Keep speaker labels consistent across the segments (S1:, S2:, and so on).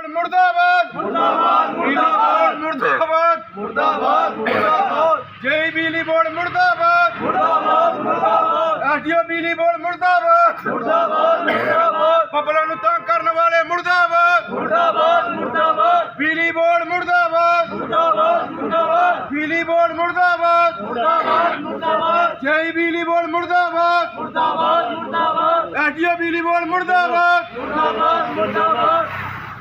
S1: मुर्दाबाद मुर्दाबाद मुर्दाबाद मुर्दाबाद मुर्दाबाद मुर्दाबाद जय बिजली बोर्ड मुर्दाबाद मुर्दाबाद मुर्दाबाद एसडीओ बिजली बोर्ड मुर्दाबाद मुर्दाबाद मुर्दाबाद पब्लिक ਨੂੰ ਤੰਗ ਕਰਨ ਵਾਲੇ मुर्दाबाद मुर्दाबाद मुर्दाबाद बिजली बोर्ड मुर्दाबाद मुर्दाबाद मुर्दाबाद बिजली बोर्ड मुर्दाबाद मुर्दाबाद मुर्दाबाद जय बिजली बोर्ड मुर्दाबाद मुर्दाबाद मुर्दाबाद एसडीओ बिजली बोर्ड मुर्दाबाद मुर्दाबाद मुर्दाबाद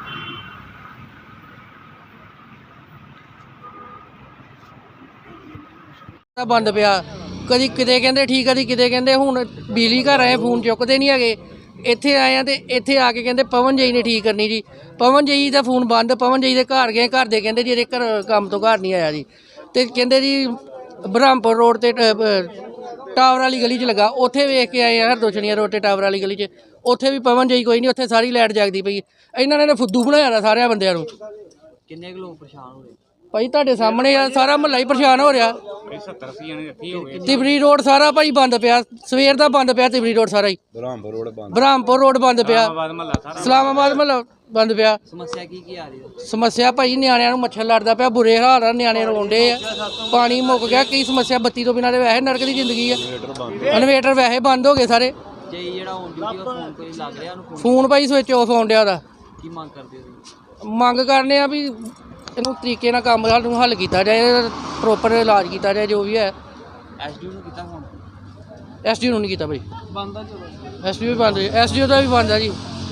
S2: बंद पिया कदी किते कहंदे ठीक कदी किते कहंदे हुण बिजली घर आए फोन चुकते नहीं है इत्थे आए हैं तो इत्थे आके कहंदे पवन जी ने ठीक करनी जी पवन जी का फोन बंद पवन जी के घर गए घर दे कहंदे जी घर काम तो घर नहीं आया जी तो कहंदे जी ब्रह्मपुर रोड ते टावर वाली गली च लगा उत्थे वेख के आए हैं हरदोछनिया रोड ते टावर वाली गली च उत्थे भी पवन जी कोई नहीं उत्थे सारी लाइट जगदी पई इन्हां ने फुद्दू बनाया सारे बंदियां नूं
S3: किन्ने लोग परेशान हो गए
S2: भाई तुहाडे सामने आ सारा महल्ला ही परेशान हो रहा
S3: 70-80 जने ਇੱਥੇ ਹੋ ਗਏ
S2: तिबरी रोड सारा भाई बंद पिया सवेर दा बंद पिया तिबरी रोड सारा ही ब्रह्मपुर रोड बंद पिया इस्लामाबाद महल्ला बंद पिया
S3: समस्या की आ रही है
S2: समस्या भाई नियाणिਆਂ ਨੂੰ ਮੱਛਰ ਲੜਦਾ ਪਿਆ ਬੁਰੇ ਹਾਲ ਆ ਨਿਆਣੇ ਰੋਂਦੇ ਆ ਪਾਣੀ ਮੁੱਕ ਗਿਆ ਕਈ ਸਮੱਸਿਆ ਬੱਤੀ ਤੋਂ ਬਿਨਾਂ ਦੇ ਵੈਸੇ ਨਰਕ ਦੀ ਜ਼ਿੰਦਗੀ ਆ ਇਨਵੇਟਰ ਵੈਸੇ ਬੰਦ ਹੋ ਗਏ ਸਾਰੇ
S3: ਜੇ ਜਿਹੜਾ ਔਨ ਡਿਊਟੀ ਉਹ ਫੋਨ ਕੋਈ ਲੱਗ ਰਿਹਾ ਉਹਨੂੰ
S2: ਫੋਨ ਭਾਈ ਸਵਿਚ ਆਫ ਆਉਣ ਡਿਆ ਉਹਦਾ
S3: ਕੀ ਮੰਗ ਕਰਦੇ ਹੋ
S2: ਮੰਗ ਕਰਨੇ ਆ ਵੀ ਇਹਨੂੰ ਤਰੀਕੇ ਨਾਲ ਕੰਮ ਸਾਨੂੰ ਹੱਲ ਕੀਤਾ ਜਾਏ ਪ੍ਰੋਪਰ ਇਲਾਜ ਕੀਤਾ ਜਾਏ ਜੋ ਵੀ ਹੈ
S3: ਐਸਡੀਓ ਨੂੰ ਕੀਤਾ ਫੋਨ
S2: ਐਸਡੀਓ ਨੂੰ ਨਹੀਂ ਕੀਤਾ ਭਾਈ
S3: ਬੰਦ ਆ ਚਲੋ
S2: ਐਸਡੀਓ ਵੀ ਬੰਦ ਐਸਡੀਓ ਦਾ ਵੀ ਬੰਦ ਆ ਜੀ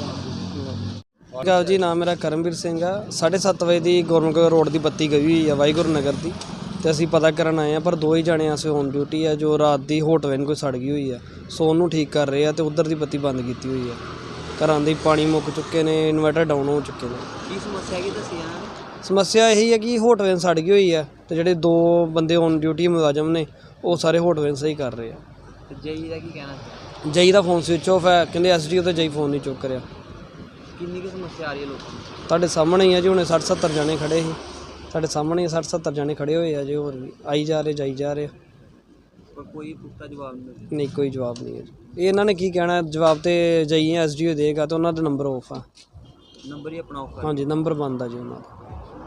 S4: ਜੀ ਨਾਮ ਮੇਰਾ ਕਰਮਵੀਰ ਸਿੰਘ ਆ 7:30 ਵਜੇ ਦੀ ਗੌਰਮੈਂਟ ਰੋਡ ਦੀ ਬੱਤੀ ਗਈ ਹੋਈ ਆ ਵਾਹਿਗੁਰੂ ਨਗਰ ਦੀ ਤੇ ਅਸੀਂ ਪਤਾ ਕਰਨ ਆਏ ਆ ਪਰ ਦੋ ਹੀ ਜਾਣੇ ਅਸੀਂ ਔਨ ਡਿਊਟੀ ਆ ਜੋ ਰਾਤ ਦੀ ਹੋਟਵੈਨ ਕੋਈ ਸੜ ਗਈ ਹੋਈ ਆ ਸੋ ਉਹਨੂੰ ਠੀਕ ਕਰ ਰਹੇ ਆ ਤੇ ਉਧਰ ਦੀ ਬੱਤੀ ਬੰਦ ਕੀਤੀ ਹੋਈ ਆ ਘਰਾਂ ਦੇ ਪਾਣੀ ਮੁੱਕ ਚੁੱਕੇ ਨੇ ਇਨਵਰਟਰ ਡਾਊਨ ਹੋ ਚੁੱਕੇ ਨੇ
S3: ਕੀ ਸਮੱਸਿਆ ਕੀ ਦੱਸੀ ਆ
S4: ਸਮੱਸਿਆ ਇਹੀ ਹੈ ਕਿ ਹੋਟਵੈਨ ਸੜ ਗਈ ਹੋਈ ਆ ਤੇ ਜਿਹੜੇ ਦੋ ਬੰਦੇ ਔਨ ਡਿਊਟੀ ਮੁਲਾਜ਼ਮ ਨੇ ਉਹ ਸਾਰੇ ਹੋਟਵੈਨ ਸਹੀ ਕਰ ਰਹੇ ਆ
S3: ਜਈ ਦਾ ਕੀ ਕਹਿਣਾ
S4: ਜਈ ਦਾ ਫੋਨ ਸਵਿਚ ਆਫ ਹੈ ਕਹਿੰਦੇ ਐਸਡੀਓ ਤੇ ਜਈ ਫੋਨ ਨਹੀਂ ਚੁੱਕ ਰਿਹਾ
S3: ਕਿੰਨੀ ਕੀ ਸਮੱਸਿਆ ਆ ਰਹੀ ਹੈ ਲੋਕਾਂ ਨੂੰ
S4: ਤੁਹਾਡੇ ਸਾਹਮਣੇ ਹੀ ਆ ਜੀ ਹੁਣੇ 60-70 ਜਣੇ ਖੜੇ ਸੀ ਸਾਡੇ ਸਾਹਮਣੇ 60-70 ਜਣੇ ਖੜੇ ਹੋਏ ਆ ਜੀ ਹੋਰ ਵੀ ਆਈ ਜਾ ਰਹੇ ਜਾਈ ਜਾ ਰਹੇ
S3: ਪਰ ਕੋਈ ਪੁਖਤਾ ਜਵਾਬ ਨਹੀਂ
S4: ਨਹੀਂ ਕੋਈ ਜਵਾਬ ਨਹੀਂ ਹੈ ਜੀ ਇਹ ਇਹਨਾਂ ਨੇ ਕੀ ਕਹਿਣਾ ਜਵਾਬ ਤੇ ਜਈ ਐਸਡੀਓ ਦੇਗਾ ਤੇ ਉਹਨਾਂ ਦਾ ਨੰਬਰ ਆਫ ਆ
S3: ਨੰਬਰ ਹੀ ਆਪਣਾ ਆਫ
S4: ਹਾਂਜੀ ਨੰਬਰ ਬੰਦ ਆ ਜੀ ਉਹਨਾਂ ਦਾ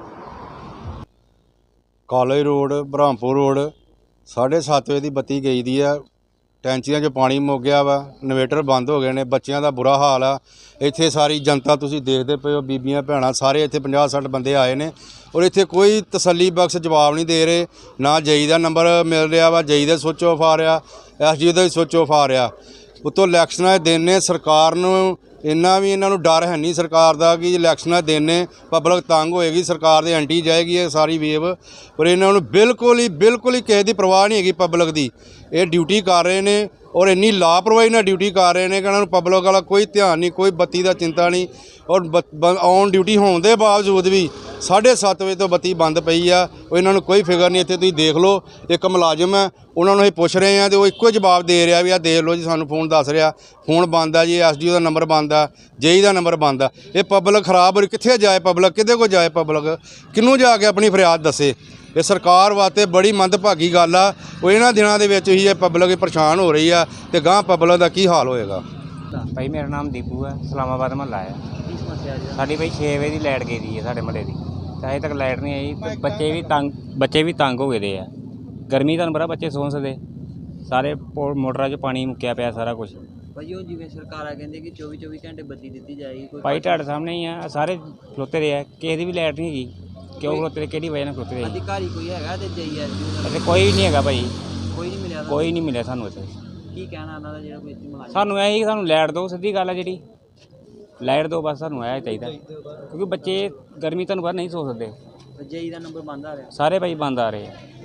S5: ਕਾਲਜ ਰੋਡ ਬ੍ਰਹਮਪੁਰ ਰੋਡ 7:30 ਵਜੇ ਦੀ ਬੱਤੀ ਗਈ ਦੀ ਆ ਟੈਂਕੀਆਂ 'ਚ ਪਾਣੀ ਮੁੱਕ ਗਿਆ ਵਾ ਇਨਵੇਟਰ ਬੰਦ ਹੋ ਗਏ ਨੇ ਬੱਚਿਆਂ ਦਾ ਬੁਰਾ ਹਾਲ ਆ ਇੱਥੇ ਸਾਰੀ ਜਨਤਾ ਤੁਸੀਂ ਦੇਖਦੇ ਪਏ ਹੋ ਬੀਬੀਆਂ ਭੈਣਾਂ ਸਾਰੇ ਇੱਥੇ 50-60 ਬੰਦੇ ਆਏ ਨੇ ਔਰ ਇੱਥੇ ਕੋਈ ਤਸੱਲੀ ਬਖਸ਼ ਜਵਾਬ ਨਹੀਂ ਦੇ ਰਹੇ ਨਾ ਜਈ ਦਾ ਨੰਬਰ ਮਿਲ ਰਿਹਾ ਵਾ ਜਈ ਦਾ ਸਵਿਚ ਆਫ ਆ ਰਿਹਾ ਐਸਡੀਓ ਦਾ ਵੀ ਸਵਿਚ ਆਫ ਆ ਰਿਹਾ ਉੱਤੋਂ ਇਲੈਕਸ਼ਨਾਂ ਦੇ ਦਿਨ ਨੇ ਸਰਕਾਰ ਨੂੰ ਇੰਨਾ ਵੀ ਇਹਨਾਂ ਨੂੰ ਡਰ ਹੈ ਨਹੀਂ ਸਰਕਾਰ ਦਾ ਕਿ ਇਲੈਕਸ਼ਨਾਂ ਦੇ ਦਿਨ ਨੇ ਪਬਲਿਕ ਤੰਗ ਹੋਏਗੀ ਸਰਕਾਰ ਦੇ ਐਂਟੀ ਜਾਏਗੀ ਇਹ ਸਾਰੀ ਵੇਵ ਪਰ ਇਹਨਾਂ ਨੂੰ ਬਿਲਕੁਲ ਹੀ ਕਿਸੇ ਦੀ ਪਰਵਾਹ ਨਹੀਂ ਹੈਗੀ ਪਬਲਿਕ ਦੀ ਇਹ ਡਿਊਟੀ ਕਰ ਰਹੇ ਨੇ ਔਰ ਇੰਨੀ ਲਾਪਰਵਾਹੀ ਨਾਲ ਡਿਊਟੀ ਕਰ ਰਹੇ ਨੇ ਕਿ ਇਹਨਾਂ ਨੂੰ ਪਬਲਿਕ ਵਾਲਾ ਕੋਈ ਧਿਆਨ ਨਹੀਂ ਕੋਈ ਬੱਤੀ ਦਾ ਚਿੰਤਾ ਨਹੀਂ ਔਰ ਔਨ ਡਿਊਟੀ ਹੋਣ ਦੇ ਬਾਵਜੂਦ ਵੀ 7:30 ਵਜੇ ਤੋਂ ਬੱਤੀ ਬੰਦ ਪਈ ਆ ਉਹ ਇਹਨਾਂ ਨੂੰ ਕੋਈ ਫਿਕਰ ਨਹੀਂ ਇੱਥੇ ਤੁਸੀਂ ਦੇਖ ਲਓ ਇੱਕ ਮੁਲਾਜ਼ਮ ਹੈ ਉਹਨਾਂ ਨੂੰ ਅਸੀਂ ਪੁੱਛ ਰਹੇ ਹਾਂ ਤੇ ਉਹ ਇੱਕੋ ਜਵਾਬ ਦੇ ਰਿਹਾ ਵੀ ਆ ਦੇਖ ਲਓ ਜੀ ਸਾਨੂੰ ਫੋਨ ਦੱਸ ਰਿਹਾ ਫੋਨ ਬੰਦ ਆ ਜੀ ਐਸਡੀਓ ਦਾ ਨੰਬਰ ਬੰਦ ਆ ਜੇਈ ਦਾ ਨੰਬਰ ਬੰਦ ਆ ਇਹ ਪਬਲਿਕ ਖਰਾਬ ਹੋ ਕਿੱਥੇ ਜਾਏ ਪਬਲਿਕ ਕਿਹਦੇ ਕੋਲ ਜਾਏ ਪਬਲਿਕ ਕਿਹਨੂੰ ਜਾ ਕੇ ਆਪਣੀ ਫਰਿਆਦ ਦੱਸੇ ਇਹ ਸਰਕਾਰ ਵਾਸਤੇ ਬੜੀ ਮੰਦਭਾਗੀ ਗੱਲ ਆ ਉਹ ਇਹਨਾਂ ਦਿਨਾਂ ਦੇ ਵਿੱਚ ਹੀ ਇਹ ਪਬਲਿਕ ਪਰੇਸ਼ਾਨ ਹੋ ਰਹੀ ਆ ਤੇ ਗਾਂ ਪਬਲਿਕ ਦਾ ਕੀ ਹਾਲ ਹੋਏਗਾ
S6: ਭਾਈ ਮੇਰਾ ਨਾਮ ਦੀਪੂ ਹੈ ਇਸਲਾਮਾਬਾਦ ਮਹੱਲਾ ਹੈ
S3: ਕੀ ਸਮੱਸਿਆ ਜੀ
S6: ਸਾਡੀ ਭਾਈ 6 ਵਜੇ ਦੀ ਲਾਈਟ ਗਈ ਦੀ ਹੈ ਸਾਡੇ ਮਹੱਲੇ ਦੀ ਤੇ ਅਜੇ ਤੱਕ ਲਾਈਟ ਨਹੀਂ ਆਈ ਤੇ ਬੱਚੇ ਵੀ ਤੰਗ ਹੋ ਗਏ ਦੇ ਆ ਗਰਮੀ ਤੁਹਾਨੂੰ ਪਤਾ ਬੱਚੇ ਸੌਂ ਸਕਦੇ ਸਾਰੇ ਮੋਟਰਾਂ 'ਚ ਪਾਣੀ ਮੁੱਕਿਆ ਪਿਆ ਸਾਰਾ ਕੁਝ
S3: ਭਾਈ ਉਹ ਜਿਵੇਂ ਸਰਕਾਰਾਂ ਕਹਿੰਦੇ ਕਿ 24 ਘੰਟੇ ਬੱਤੀ ਦਿੱਤੀ ਜਾਏਗੀ ਕੋਈ
S6: ਭਾਈ ਤੁਹਾਡੇ ਸਾਹਮਣੇ ਹੀ ਆ ਸਾਰੇ ਖਲੋਤੇ ਰਹੇ ਆ ਕਿਸੇ ਦੀ ਵੀ ਲਾਈਟ ਨਹੀਂ ਹੈਗੀ ਕਿਉਂ ਖਲੋਤੇ ਕਿਹੜੀ ਵਜ੍ਹਾ ਨਾਲ ਖਲੋਤੇ ਰਹੇ
S3: ਅਧਿਕਾਰੀ ਕੋਈ ਹੈਗਾ ਤੇ ਜਈ ਐਸਡੀਓ
S6: ਇੱਥੇ ਕੋਈ ਨਹੀਂ ਹੈਗਾ ਭਾਈ
S3: ਕੋਈ ਨਹੀਂ ਮਿਲਿਆ
S6: ਕੋਈ ਨਹੀਂ ਮਿਲਿਆ ਸਾਨੂੰ ਇੱਥੇ
S3: ਕੀ ਕਹਿਣਾ ਉਹਨਾਂ ਦਾ ਜਿਹੜਾ ਕੋਈ ਇੱਥੇ ਮੁਲਾਜ਼ਮ
S6: ਸਾਨੂੰ ਇਹ ਹੀ ਕਿ ਸਾਨੂੰ ਲਾਈਟ ਦਿਓ ਸਿੱਧੀ ਗੱਲ ਹੈ ਜਿਹੜੀ ਲਾਈਟ ਦਿਓ ਬਸ ਸਾਨੂੰ ਇਹ ਚਾਹੀਦਾ ਕਿਉਂਕਿ ਬੱਚੇ ਗਰਮੀ ਤੁਹਾਨੂੰ ਪਤਾ ਨਹੀਂ ਸੋ ਸਕਦੇ
S3: ਜਈ ਦਾ ਨੰਬਰ ਬੰਦ ਆ ਰਿਹਾ
S6: ਸਾਰੇ ਭਾਈ ਬੰਦ ਆ ਰਹੇ ਆ